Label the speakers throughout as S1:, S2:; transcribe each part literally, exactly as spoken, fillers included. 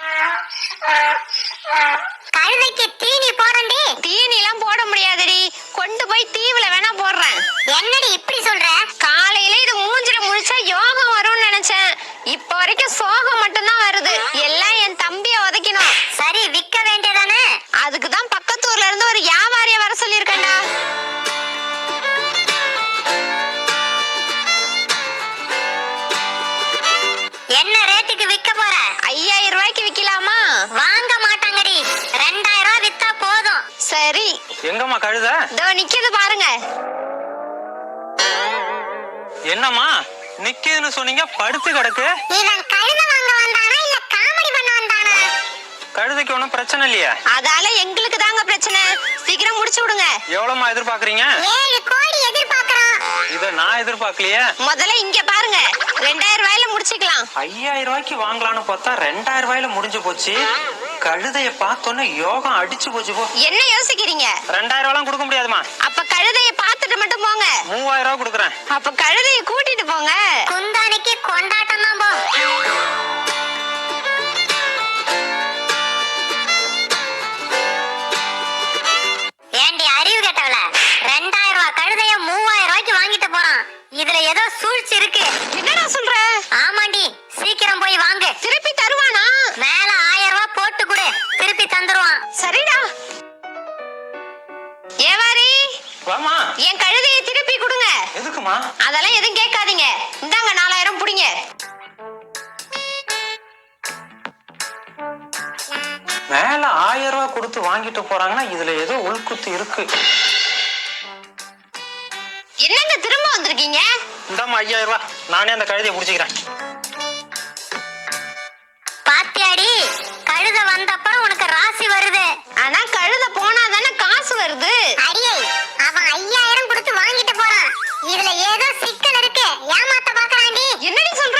S1: கழுதைக்கு தீனி போடண்டி.
S2: தீனி எல்லாம் போட முடியாதுடி, கொண்டு போய் தீவுல வேணா போடுறேன்.
S1: என்னடி இப்படி சொல்ற?
S2: காலையில இது மூஞ்சில முழிச்சா யோகம் வரும்னு நினைச்சேன். இப்ப வரைக்கும் சோகம் மட்டும்தான் வருது. எல்லாம் என் தம்பிய உதைக்கணும்.
S1: சரி, விக்க வேண்டியதானே?
S2: அதுக்குதான் பக்கத்தூர்ல இருந்து ஒரு வியாபாரிய வர சொல்லிருக்கேன்டா.
S1: என்ன ரேட்டுக்கு விக்க போற?
S2: ஐயாயிரம் ரூபாய்க்கு விக்கலாமா?
S1: வாங்க மாட்டாங்கடி. ரெண்டாயிரம் ரூபாய் வித்தா போதும்.
S2: சரி.
S3: எங்கம்மா கழுத?
S2: இதோ நிக்குது பாருங்க.
S3: என்னம்மா நிக்குதுன்னு சொன்னீங்க, படுத்து கிடக்கு.
S1: இவன் கழுத வாங்க வந்தானா இல்ல காமெடி பண்ண வந்தானா?
S3: கழுதைக்கு ஒண்ணும் பிரச்சனை இல்லையா?
S2: அதால எங்களுக்கு தாங்க பிரச்சனை. சீக்கிரம் முடிச்சு விடுங்க.
S3: எவ்வளவுமா எதிர்பார்க்கறீங்க?
S1: ஏழு கோடி எதிர்பார்க்கறான்.
S3: இத நான் எதிர்பார்க்கலையே.
S2: முதல்ல இங்க பாருங்க, ரெண்டாயிரம் ரூபாயில முடிச்சுக்கலாம்.
S3: ஐயாயிரம் ரூபாய்க்கு வாங்கலாம்னு பார்த்தா ரெண்டாயிரம் ரூபாயில முடிஞ்சு போச்சு. கழுதைய பார்த்தோன்னே யோகம் அடிச்சு போச்சு. போ.
S2: என்ன யோசிக்கிறீங்க?
S3: ரெண்டாயிரம் ரூபாய் கொடுக்க முடியாதுமா.
S2: அப்ப கழுதைய பாத்துட்டு மட்டும் போங்க.
S3: மூவாயிரம் ரூபாய் கொடுக்குறேன்.
S2: அப்ப கழுதைய கூட்டிட்டு போங்க.
S1: குந்தானிக்கு கொண்டாட்டம் தான் போ. ஏண்டி அறிவு கேட்டவள, ரெண்டாயிரம் ரூபாய் கழுதைய மூவாயிரம் ரூபாய்க்கு வாங்கிட்டு போறான். இதுல ஏதோ சூழ்ச்சி இருக்கு.
S2: என்னடா சொல்ற?
S1: ஆமாண்டி, சீக்கிரம் போய் வாங்கு.
S2: திருப்பி தருவானா?
S1: மேல ஆயிரம் ரூபாய் போட்டு கொடு, திருப்பி தந்துருவான்.
S2: சரிடா. ஏவாரி,
S3: வாமா.
S2: என் கழுதையை திருப்பி கொடுங்க.
S3: எதுக்குமா?
S2: அதெல்லாம் எதுவும் கேட்காதீங்க. இந்தாங்க நாலாயிரம் புடிங்க.
S3: மேல ஆயிரம் ரூபாய் கொடுத்து வாங்கிட்டு போறாங்கன்னா இதுல ஏதோ உள்குத்து இருக்கு.
S2: என்னங்க திரும்ப வந்திருக்கீங்க?
S3: இந்தாமா ஐயாயிரம் ரூபாய், நானே அந்த கழுதையை புடிச்சுக்கிறேன்.
S1: பாத்தியாடி, கழுத வந்தப்ப உனக்கு ராசி வருது.
S2: ஆனா கழுத போனா தானே காசு வருது.
S1: அடியே, அவன் ஐயாயிரம் கொடுத்து வாங்கிட்டு போறான். இதுல ஏதோ சிக்கல் இருக்கு. ஏமாத்த பாக்குறாண்டி.
S2: என்னடி சொல்ற?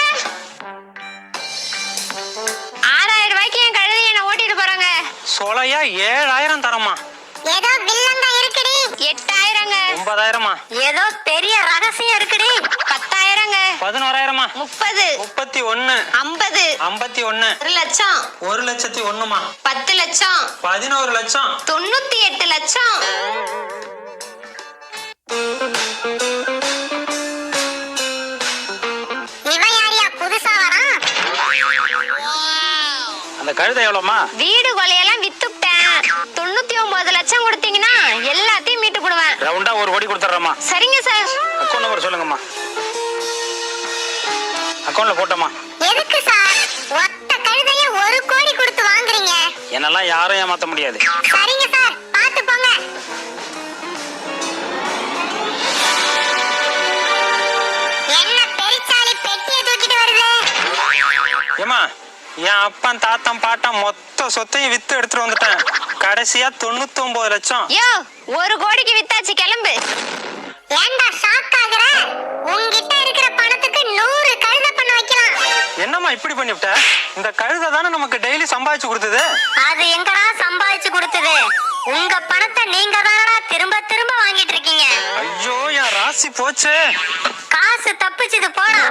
S2: ஆறாயிரம் ரூபாய்க்கு என் கழுதையை என்ன ஓட்டிட்டு போறாங்க.
S3: சொலையா ஏழாயிரம் தரமா?
S1: ஏதோ வில்லங்க இருக்குடி.
S2: எட்டாயிரங்க.
S3: ஒன்பதாயிரமா?
S1: ஏதோ பெரிய ரகசியம் இருக்குடி.
S2: பத்தாயிரங்க.
S3: பதினோராயிரமா?
S2: முப்பது.
S3: முப்பத்தி ஒண்ணு.
S2: ஐம்பது.
S3: ஐம்பத்தி ஒண்ணு.
S2: ஒரு லட்சம்.
S3: ஒரு லட்சத்தி ஒண்ணுமா?
S2: பத்து லட்சம்.
S3: பதினோரு லட்சம்.
S2: தொண்ணூத்தி எட்டு லட்சம்.
S1: இவன் யாரியா புதுசா வரான்?
S3: அந்த கழுதை எவ்வளவுமா?
S2: வீடு கொலையெல்லாம் வித்துட்டேன். தொண்ணூத்தி ஒன்பது லட்சம் கொடுத்தீங்கன்னா எல்லாத்தையும் மீட்டு கொடுவேன்.
S3: ரவுண்டா ஒரு கோடி கொடுத்துறேம்மா.
S2: சரிங்க சார்.
S3: அக்கௌண்ட் நம்பர் சொல்லுங்கம்மா. அக்கௌண்ட்ல போட்டோமா?
S1: எதுக்கு சார் ஒத்த கழுதைய ஒரு கோடி கொடுத்து வாங்குறீங்க?
S3: என்னெல்லாம் யாரும் ஏமாத்த முடியாது.
S1: சரிங்க சார், பாத்து போங்க. என்ன பெருச்சாளி பெட்டியை தூக்கிட்டு வருது?
S3: ஏமா, என் அப்பன் தாத்தன் பாட்டன் மொத்த சொத்தையும் வித்து எடுத்துட்டு வந்துட்டேன். கடைசியா தொண்ணூத்தி ஒன்பது லட்சம்.
S2: யோ, ஒரு கோடிக்கு வித்தாச்சு, கிளம்பு.
S1: ஏண்டா ஷாக் ஆகுற? உன்கிட்ட இருக்கிற பணத்துக்கு நூறு கழுதை பண்ண வைக்கலாம்.
S3: என்னம்மா இப்படி பண்ணிவிட்ட? இந்த கழுதை தானே நமக்கு டெய்லி சம்பாதிச்சு கொடுத்தது.
S1: அது எங்கடா சம்பாதிச்சு கொடுத்தது? உங்க பணத்தை நீங்க தானடா திரும்ப திரும்ப வாங்கிட்டு இருக்கீங்க.
S3: ஐயோ, என் ராசி போச்சு.
S1: காசு தப்பிச்சது போடா.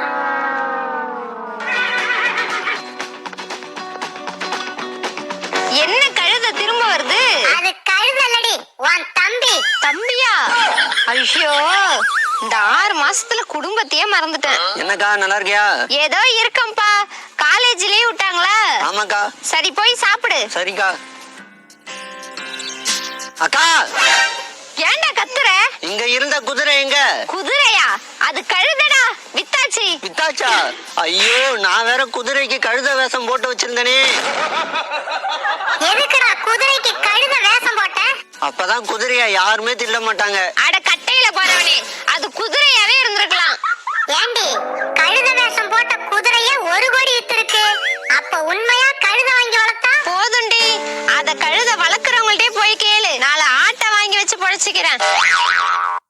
S2: என்ன கழுத திரும்ப வருது?
S1: அது கழுதல்லடி, உன் தம்பி.
S2: தம்பியா? ஐயோ, இந்த ஆறு மாசத்துல குடும்பத்தையே மறந்துட்டேன்.
S4: என்னக்கா, நல்லா இருக்கியா?
S2: ஏதோ இருக்கம்பா. காலேஜ் லீவ் விட்டாங்களா?
S4: ஆமாக்கா.
S2: சரி, போய் சாப்பிடு.
S4: சரிக்கா. அக்கா,
S2: ஏன்டா கத்துற?
S4: இங்க இருந்த குதிரை எங்க?
S2: குதிரையா? அது கழுதடா, வித்தாச்சு.
S4: வித்தாச்சா? ஐயோ, நான் வேற குதிரைக்கு கழுத வேஷம் போட்டு வச்சிருந்தேனே.
S1: எதுக்குடா குதிரைக்கு கழுத வேஷம் போட்ட?
S4: அப்பதான் குதிரைய யாருமே தில்ல மாட்டாங்க.
S2: அட கட்டையில போறவனே, அது குதிரையாவே இருந்திருக்கலாம்.
S1: ஏண்டி, கழுத வேஷம் போட்ட குதிரைய ஒரு கோடி வித்திருக்கு. அப்ப உண்மையா கழுத வாங்கி வளர்த்தா?
S2: போதுண்டி, அத கழுத வளர்க்கறவங்கள்ட்டே போய் கேளு. நாளை ஆட்டை வாங்கி வச்சு பொழைச்சிக்கிறேன்.